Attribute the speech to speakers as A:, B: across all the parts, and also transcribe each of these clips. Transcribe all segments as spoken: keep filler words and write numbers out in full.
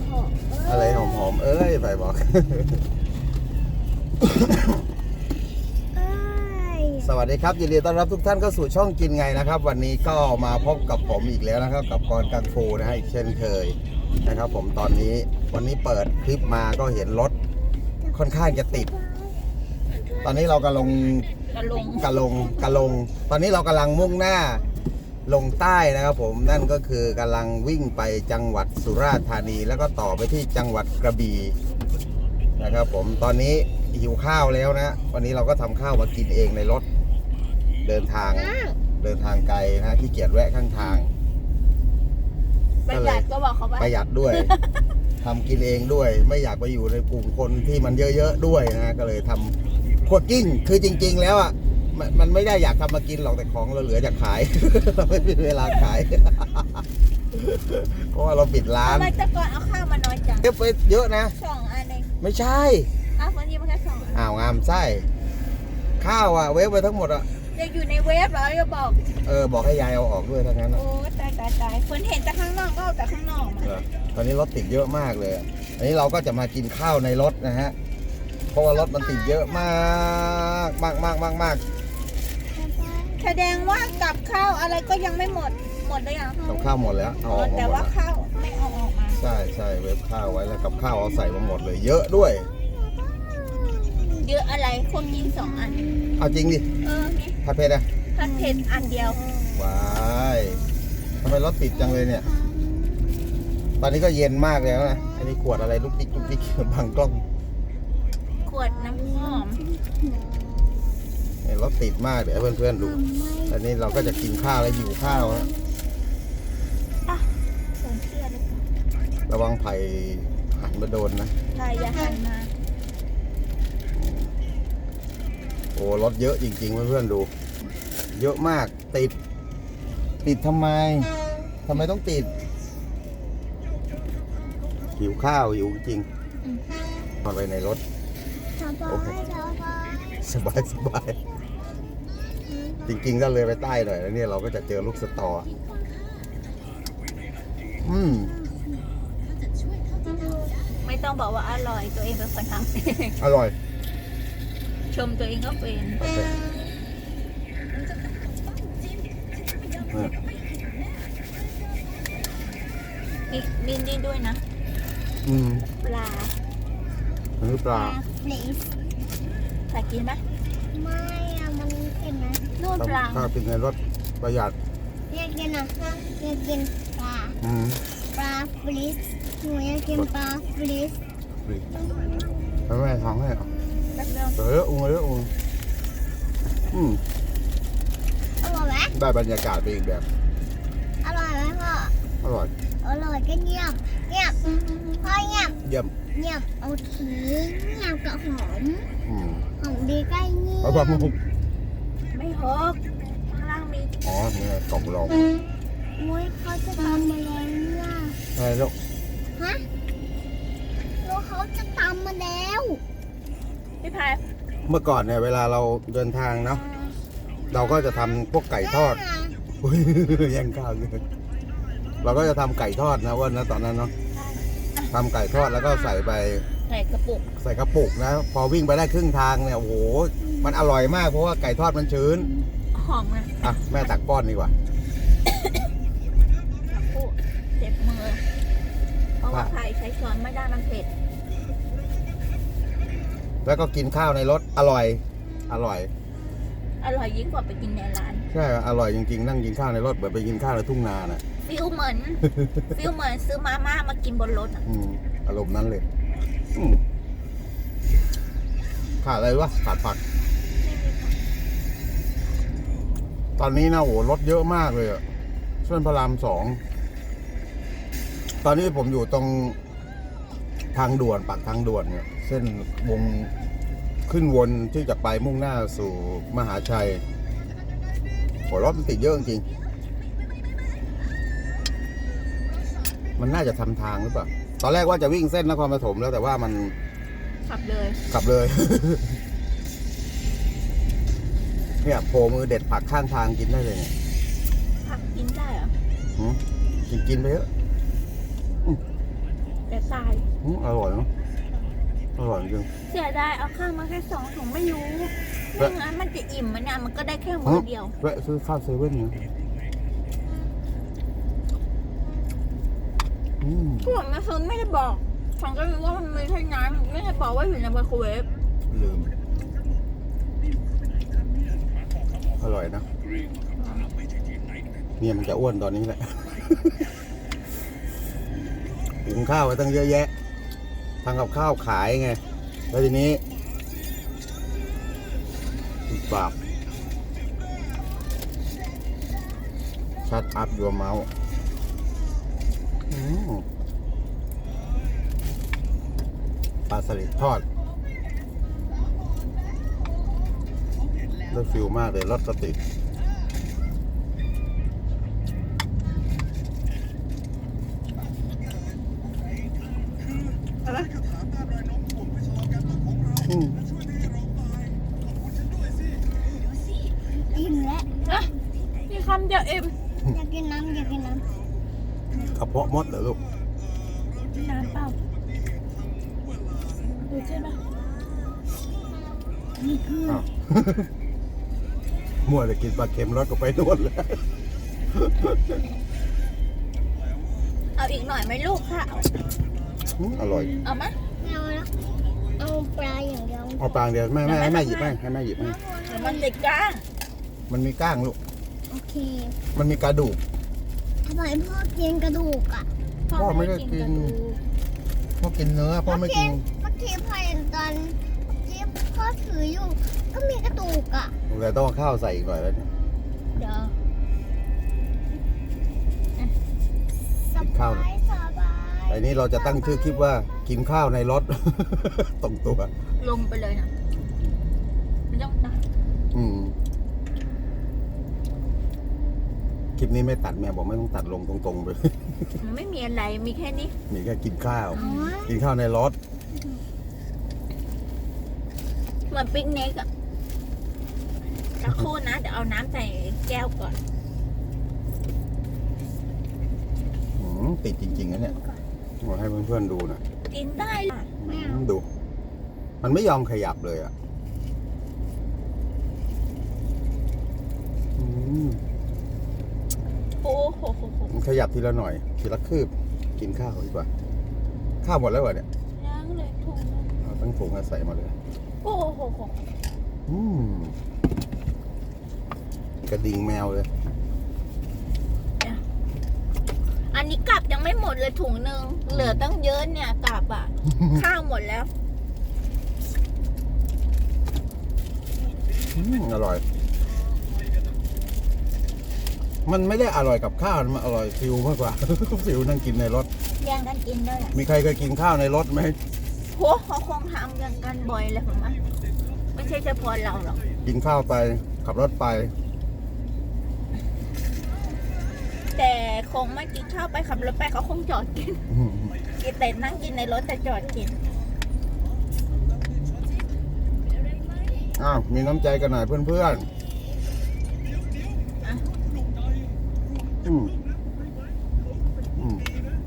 A: หอม
B: อะไรหอมๆเอ้ยไปบอก สวัสดีครับยินดีต้อนรับทุกท่านเข้าสู่ช่องกินไงนะครับ วันนี้ก็มาพบกับผมอีกแล้วนะครับ กับกรกังฟูนะฮะอีกเช่นเคยนะครับผมตอนนี้วันนี้เปิดคลิปมาก็เห็นรถค่อนข้างจะติด ตอนนี้เรากำลัง
A: กระลง
B: กะลงกะลง ตอนนี้เรากำลังมุ่งหน้าลงใต้นะครับผมนั่นก็คือกำลังวิ่งไปจังหวัดสุราษฎร์ธานีแล้วก็ต่อไปที่จังหวัดกระบี่นะครับผมตอนนี้หิวข้าวแล้วนะวันนี้เราก็ทำข้าวมากินเองในรถเดินทางเดินทางไกลนะขี้เกียจแวะข้างทาง
A: ประหยัดก็บอกเขาว่า
B: ประหยัดด้วย ทำกินเองด้วยไม่อยากไปอยู่ในกลุ่มคนที่มันเยอะๆด้วยนะก็เลยทำคั่วกิ้งคือจริงๆแล้วอ่ะมันมันไม่ได้อยากทำมากินหรอกแต่ของเราเหลือจากขาย เราไม่มีเวลาขาย เพราะว่าเราปิดร้าน
A: ทำไมแต่ก่อนเอาข้าวมาน้อยจัง
B: เก็บไปเยอะนะ
A: สองอันเอง
B: ไม่ใช่
A: อ้าววันนี้มันแค่สองอัน
B: อ้าวงามไส้ข้าวอ่ะเวฟไปทั้งหมดอ่ะ
A: ยังอยู่ในเวฟเหรอจะบอก
B: เออบอกให้ยายเอาออกด้วยทั้งนั้นอะ
A: โอ้ตายตายตายคนเห็นแต่ข้างนอกก็เอาแต่ข้างนอกมา
B: เออตอนนี้รถติดเยอะมากเลยอะอันนี้เราก็จะมากินข้าวในรถนะฮะเพราะว่ารถมันติดเยอะมากมากมากมากมาก
A: แสดงว่ากับข้าวอะไรก็ยังไม่หมดหมดเลยยัง
B: กับข้าวหมดแล้วเอาออกมา
A: แต่
B: หมด
A: ว่า
B: แล้ว
A: ข้าวไม่เอาออกมา
B: ใช่ใช่เวฟข้าวไว้แล้วกับข้าวเอาใส่มาหมดเลย เยอะด้วย
A: เยอะอะไรคนกินสองอัน
B: เอาจริงดิ
A: เออนี่
B: ผัดเผ็ดอะ
A: ผัดเผ็ดอันเดียว
B: ว้ายทำไมรถติดจังเลยเนี่ย ตอนนี้ก็เย็นมากแล้วนะอันนี้ขวดอะไรลูกติ๊กลูกติ๊ก บังกล้อง
A: ขวดน้ำหอม
B: เนี่ยรถติดมากเดี๋ยวให้เพื่อนๆดูอันนี้เราก็จะกินข้าวแล้วหิวข้าวนะ
A: อ่ะใส่เสื้อเลย
B: ระวังไผ่หันมาโดนนะ
A: ใครอย่าหันมา
B: โอ้รถเยอะจริงๆเพื่อนๆดู เยอะมากติด ติดทำไมทำไมต้องติดหิวข้าวหิวจริงนอนไปในรถโอเคสบายสบายจริงๆถ้าเลยไปใต้หน่อยแล้วเนี่ยเราก็จะเจอลูกสตออืม
A: ไม่ต้องบอกว่าอร่อยตัวเองเป็นคนทำเอง
B: อร่อย
A: ชมตัวเองก็เป็น
B: โอเคเออ
A: มีมีนี่ด้วยนะ
B: อืม
A: ปลา
B: อันนี้ปลา
A: ใส่กินไหม
C: ไม่อะมันเค็มนะ
A: นู่นปลา
B: ถ้ากินในรถประหยัด
C: อยากกินอ่ะอยากกินปลา
B: อืม
C: ปลาฟรีสหนูอยากกินปลาฟรีส
B: ฟรีแล้วแม่ทำให้เหรอ
A: แป๊บเดียว
B: เอออุ้งเอออุ้งอืม
C: อร่อยไหม
B: ได้บรรยากาศไปอีกแบบ
C: อร่อยไหมพ่อ
B: อร่อย
C: อร่อยก็เงียบเงียบพ่อเงียบ
B: เยี่ยม
C: เงียบโอเคเงียบกับหอม
B: อืม
C: หอมดีใกล้เงียบ
B: เอาแบบมุก
A: ไม่หกข้างล่างมี
B: อ๋อเนี่ยกล่องรอง
C: อุ้ยเขาจะตำมาแล้วเนี่ย
B: ใช่แล้ว
C: ฮะลูกเขาจะตำมาแล้ว
A: พี่พาย
B: เมื่อก่อนเนี่ยเวลาเราเดินทางเนาะเราก็จะทำพวกไก่ทอด อุ๊ยยังข้าวอยู่เราก็จะทำไก่ทอดนะเว่านะตอนนั้นเนาะทำไก่ทอดแล้วก็ใส่ไป
A: ใส่กระปุก
B: ใส่กระปุกนะ พอวิ่งไปได้ครึ่งทางเนี่ยโอ้โหมันอร่อยมากเพราะว่าไก่ทอดมันชื้น
A: หอมนะ
B: อ่ะแม่ตักป้อนดีกว่า
A: กระปุกเจ็บมือ เพราะว่าไผ่ใช้ช้อนไม่ได้มันเผ็ด
B: แล้วก็กินข้าวในรถอร่อย อร่อย
A: อร่อยยิ่งกว่าไปกินในร้าน
B: ใช่อร่อยจริงๆนั่งกินข้าวในรถเหมือนไปกินข้าวในทุ่งนาน่ะ
A: ฟิลเหมือน ฟิลเหมือนซื้อมาม่ามากินบนรถอะ
B: อืมอารมณ์นั้นเลยอืมขาดอะไรวะขาดผัก ตอนนี้นะโหรถเยอะมากเลยอะเส้นพระรามสองตอนนี้ผมอยู่ตรงทางด่วนปากทางด่วนเนี่ยเส้นวงขึ้นวนที่จะไปมุ่งหน้าสู่มหาชัยโหรถมันติดเยอะจริงมันน่าจะทำทางหรือเปล่าตอนแรกว่าจะวิ่งเส้นนครปฐมแล้วแต่ว่ามัน
A: ขับเลย
B: กลับเลย เนี่ยโผล่มือเด็ดผักข้างทางกินได้เลยเนี่ย
A: ผักกินได้เหรอ
B: หืมกินกินไปเถอะอืม
A: แต่ตาย
B: อืมอร่อยเนาะอร่อยจริง
A: เสียดายเอาข้าวมาแค่สองถุงไม่รู้ไม่งั้นมันจะอิ่มมันเนี่ยมันก็ได้แค่มือเดียว
B: แวะซื้อข้าวเซเว่นเนี่ยอืม
A: พวกมันคือไม่ได้บอกฉันก็รู้ว่ามันมีแค่น้ำไม่ได้บอกว่าอยู่ในไมโครเวฟ
B: ลืมอร่อยนะเนี่ยมันจะอ้วนตอนนี้แหละหุงข้าวไว้ตั้งเยอะแยะทำกับข้าวขายไงแล้วทีนี้บาปชัดอัพยัวเมาส์ปลาสลิดทอดได้ฟิลมากเลยรสสติดอืม
C: อิ่มแล้ว
A: นะมีคำเดียวเอ็ม
C: อยากกินน้ำอยากกินน้
B: กระเพาะมดเหรอลูก
A: น้ำเปล่าดูใช่ไหม
C: ำนี่คือ
B: อ้าว มั่วแต่กินปลาเค็มรสก็ไปนวดแล้ว
A: เอาอีกหน่อยไหมลูกค่ะ
B: อืมอร่อย
A: เอาไหม
C: ไม่เอาแล้วเอาปลาอย่างเดียว
B: เอาปลาเดียวแม่แม่ให้แม่หยิบให้ให้แม่หยิบให้
A: เดี๋ยวมันติดก้าง
B: มันมีก้างลูก
C: โอเค
B: มันมีกระดูก
C: ทำไมพ่อกินกระดูกอ่ะ
B: พ่อไม่ได้กิน
A: ระดู
B: พ่อกินเนื้อพ่อไม่กิน
C: เมื่อกี้พ่อเห็นตอนที่พ่อถืออยู่ ก็มีกระดูกอ่ะ
B: เลยต้องเอาข้าวใส่อีกหน่อยแล้วเนี่ย
A: เดี๋ยว
C: ส
B: กินข้าว
C: บายสบาย
B: ไอ้นี้เราจะตั้งชื่อคลิปว่ากินข้าวในรถ ตรงตัว
A: ลงไปเลยนะไม่ต้องตัด
B: อืมคลิปนี้ไม่ตัดแม่บอกไม่ต้องตัดลงตรงๆไป
A: มันไม่มีอะไรมีแค่นี้
B: มีแค่กินข้าว
C: อ๋อ
B: กินข้าวในรถ
A: เหมือนปิกนิกอะสักครู่นะเดี๋ยวเอาน้ำใส่แก้วก่อน
B: อืมติดจริงๆนะเนี่ยมาให้เพื่อนๆดูหนะ
A: กินได้ล่ะ
B: ดู มันไม่ยอมขยับเลยอ่ะอืม
A: โอ้โหโหโห
B: มันขยับทีละหน่อย ทีละคืบ กินข้าวดีกว่า ข้าวหมดแล้วเหรอเนี่ย
A: ล้างเลยถุงนึง
B: เอาตั้งถุงมาใส่มาเลย
A: โอ้โหโหโห
B: อืมกระดิ่งแมวเลย
A: อันนี้กลับยังไม่หมดเลยถุงหนึ่งเหลือตั้งเยอะเนี่ยกลับอ่ะ ข้าวหมดแล้ว
B: อืมอร่อย มันไม่ได้อร่อยกับข้าวมันอร่อยฟิวมากกว่า ฟิวนั่งกินในรถ
A: แย่งกันกินด้วยแหละ
B: มีใครเคยกินข้าวในรถไหม
A: โหเขาคงทำกันกันบ่อยเลยผมว่าไม่ใช่เฉพาะเราหรอก
B: กินข้าวไป ขับรถไป
A: แต่คงไม่กินข้าวไปขับรถไปเขาคงจอดกิน
B: อืม
A: กินแต่นั่งกินในรถแต่จอดกิน
B: อ้าว มีน้ำใจกันหน่อยเพื่อน
A: อ่ะ
B: ๆอืมอืม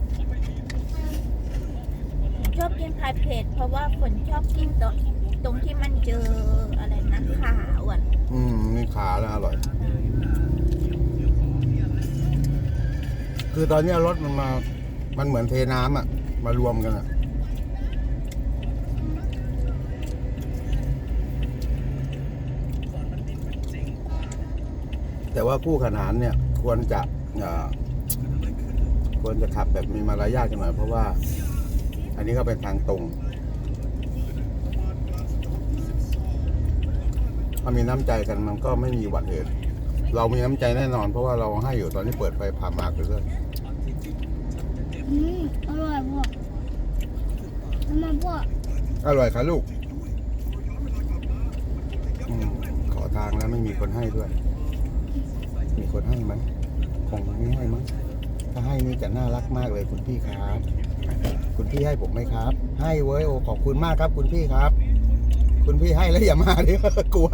A: ผมชอบกินพายเพจเพราะว่าฝนชอบกินตรงตรงที่มันเจออะไรนะขาอ่ะ
B: อืมนี่ขาแล้วอร่อย คือตอนเนี้ยรถมันมา มันเหมือนเทน้ำอ่ะ มารวมกันอ่ะ แต่ว่าคู่ขนานเนี่ย ควรจะเอ่อควรจะขับแบบมีมารยาทกันหน่อย เพราะว่า อันนี้ก็เป็นทางตรง ถ้ามีน้ำใจกันมันก็ไม่มีอุบัติเหตุ เรามีน้ำใจแน่นอน เพราะว่าเราให้อยู่ตอนนี้เปิดไฟผ่ามากไปเรื่อย
C: อืมอร่อยพ่อทำไมพ่อ
B: อร่อยค่ะลูกอมขอทางแล้วไม่มีคนให้ด้วย มีคนให้ไหมคงไม่ให้มั้งถ้าให้นี่จะน่ารักมากเลยคุณพี่ครับ คุณพี่ให้ผมไหมครับ ให้เว้ยโอ้ขอบคุณมากครับ คุณพี่ครับ คุณพี่ให้แล้วอย่ามาดิ กลัว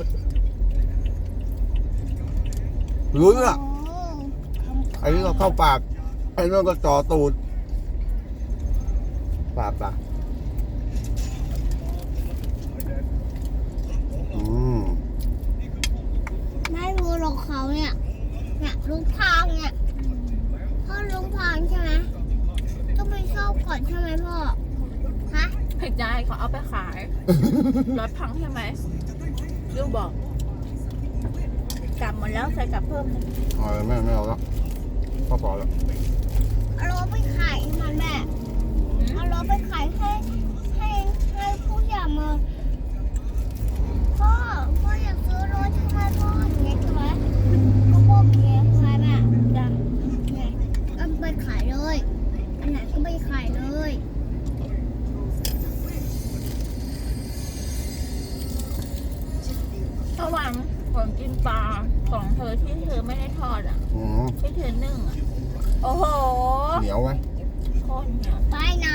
B: ลุ้นอ่ะ
C: โอ้
B: ไอ้นี่เราเข้าปากไอ้นั่นก็จ่อตูดปลาปลาอืม
C: ไม่รู้หรอกเขาเนี่ยเนี่ยลุงพางเนี่ยพ่อลุงพางใช่ไหมต้องไปเข้าก่อนใช่ไหมพ่อฮะ
A: ผิดใจเขาเอาไปขาย รถพังใช่ไหมลูกบอกกลับหมดแล้วใส่กลับเพิ่มนะ
B: เอาเลยแม่ไม่เอาแล้วพอพอแล้ว
C: เอารถไปขายมันแม่เอารถไปขายให้ให้ให้ผู้ใหญ่มาพ่อพ่ออยากซื้อรถใช่ไหมพ่ออย่างเงี้ยใช่ไหมก็พ่ออย่างเงี้ยใช่ไหม
A: จ้ะ
C: เนี่ยก็ไปขายเลยอันไหนก็ไปขายเลย
A: ระหว่างผมกินปลาของเธอที่เธอไม่ได้ทอดอ่ะ
B: อืม
A: ที่เธอนึ่งอ่ะ โอ้โห
B: เหนียวไหม
A: โคตรเหนียว
C: ไปไหน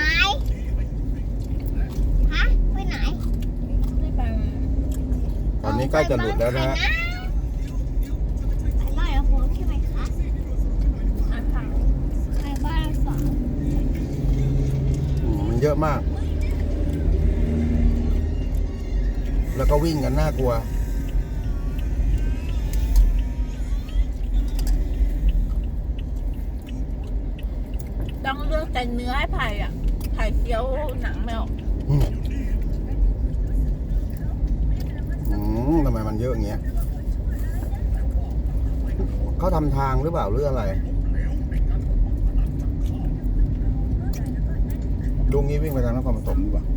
C: ฮะไปไหน
A: ไม่ไป
B: ตอนนี้ใกล้จะหลุดแล้วนะฮะ
C: ไปบ้านเราโค้งใช่ไหมคะ
A: อาหาร
C: ไปบ้านเราสอง
B: อืมมันเยอะมาก แล้วก็วิ่งกันน่ากลัว
A: ต้องเลือกแต่เนื้อให้ไผ่อ่ะไผ่เคี้ยวหนังไม่ออก
B: อืมอืมทำไมมันเยอะอย่างเงี้ยเขาทำทางหรือเปล่าหรืออะไรลุงนี้วิ่งไปทางนครปฐมดีกว่า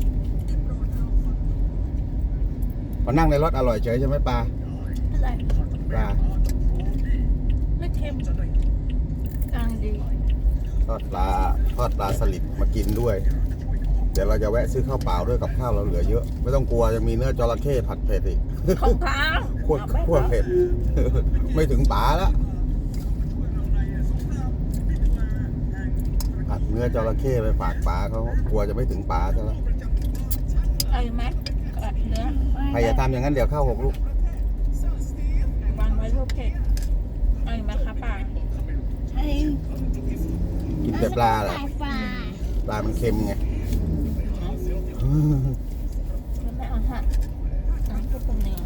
B: พอนั่งในรถอร่อยเฉยใช่ไหมปลา
A: อะไร
B: ปลา
A: ไม่เค็มกลางดี
B: ทอดปลาทอดปลาสลิดมากินด้วย เดี๋ยวเราจะแวะซื้อข้าวเปล่าด้วยกับข้าวเราเหลือเยอะ ไม่ต้องกลัวยังมีเนื้อจระเข้ผัดเผ็ดอีก
A: ของค้าง
B: ขวดขวดเผ็ด ไม่ถึงป๋าแล้วผัดเนื้อจระเข้ไปฝากป๋าเขากลัวจะไม่ถึงป๋าซะแล้ว
A: เอาอีกไหมเนื้อ
B: ใครอย่าทำอย่างนั้นเดี๋ยวเข้าหกลูก
A: วางไว้รูปเผ็ดเอาอีกไหมคะป่า
C: เอ้ย
B: กินแต่ปลาเหรอ
C: ขายปลา
B: ปลามันเค็มไง
A: ไม่เอาฮะเอาพวกเป็นเนื้อ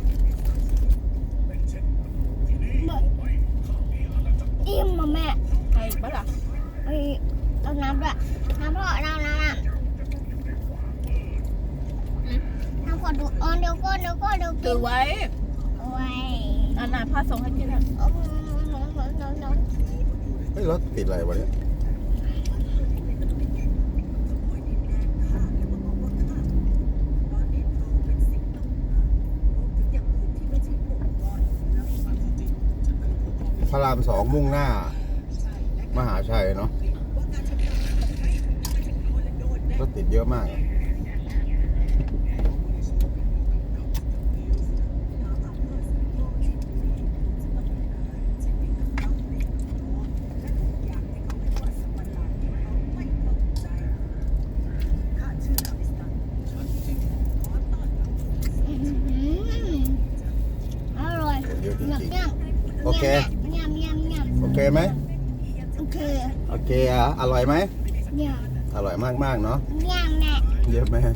C: อิ่มมาแม่
A: เอาอีกปะล่ะ
C: เอ้ยเอาน้ำด้วยน้ำพ่อน้ำน้ำน้
A: อืม
C: ำน้ำขอดูเออเดี๋ยวก็เดี๋ยวก็เดี๋ยวกิ
A: ถื
C: น
A: อไว้
C: เอาไว้
A: อันไหนพ่อส่งให้กินอ่ะ
C: เอาน้ำน้ำน้ำน้ำ
B: เฮ้ยรถติดอะไรวะเนี่ยพระรามสองมุ่งหน้า มหาชัยเนาะรถติดเยอะมากอะ
C: อื้อหืออร่อย
B: เยอะจ
C: ยำ
B: ริง
C: ยำ
B: โอเค
C: ยำยำยำ
B: ๆ โอเคไหม
C: โอเค
B: โอเคอ่ะ อร่อยไหม
C: ย
B: อร่อยมากๆเนาะ
C: ำยำแม่
B: เยอะไหม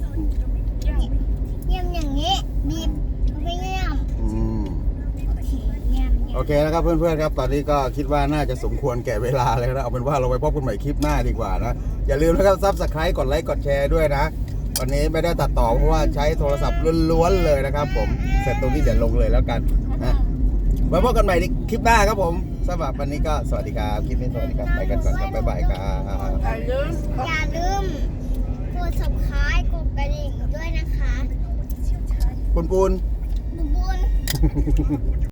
C: ยำอย่างนี้บีบเอาไปยำ
B: อืม
C: โอเคยำ
B: โอเคนะครับเพื่อนๆครับ ตอนนี้ก็คิดว่าน่าจะสมควรแก่เวลาแล้วนะ เอาเป็นว่าเราไปพบกันใหม่คลิปหน้าดีกว่านะ อย่าลืมนะครับซับสไครต์กดไลค์กดแชร์ด้วยนะ วันนี้ไม่ได้ตัดต่อเพราะว่าใช้โทรศัพท์ล้วนๆเลยนะครับผม เสร็จตรงนี้เดี๋ยวลงเลยแล้วกันนะไว้พบกันใหม่ในคลิปหน้าครับผมสำหรับวันนี้ก็สวัสดีครับ คลิปนี้สวัสดีครับ ไปกันก่อนครับบ๊ายบายครับ
A: อย่าลืม
C: อย่าลืมกด subscribe กดกระดิ่งด้วยนะคะ
B: ปุนปุน
C: บุญบุญ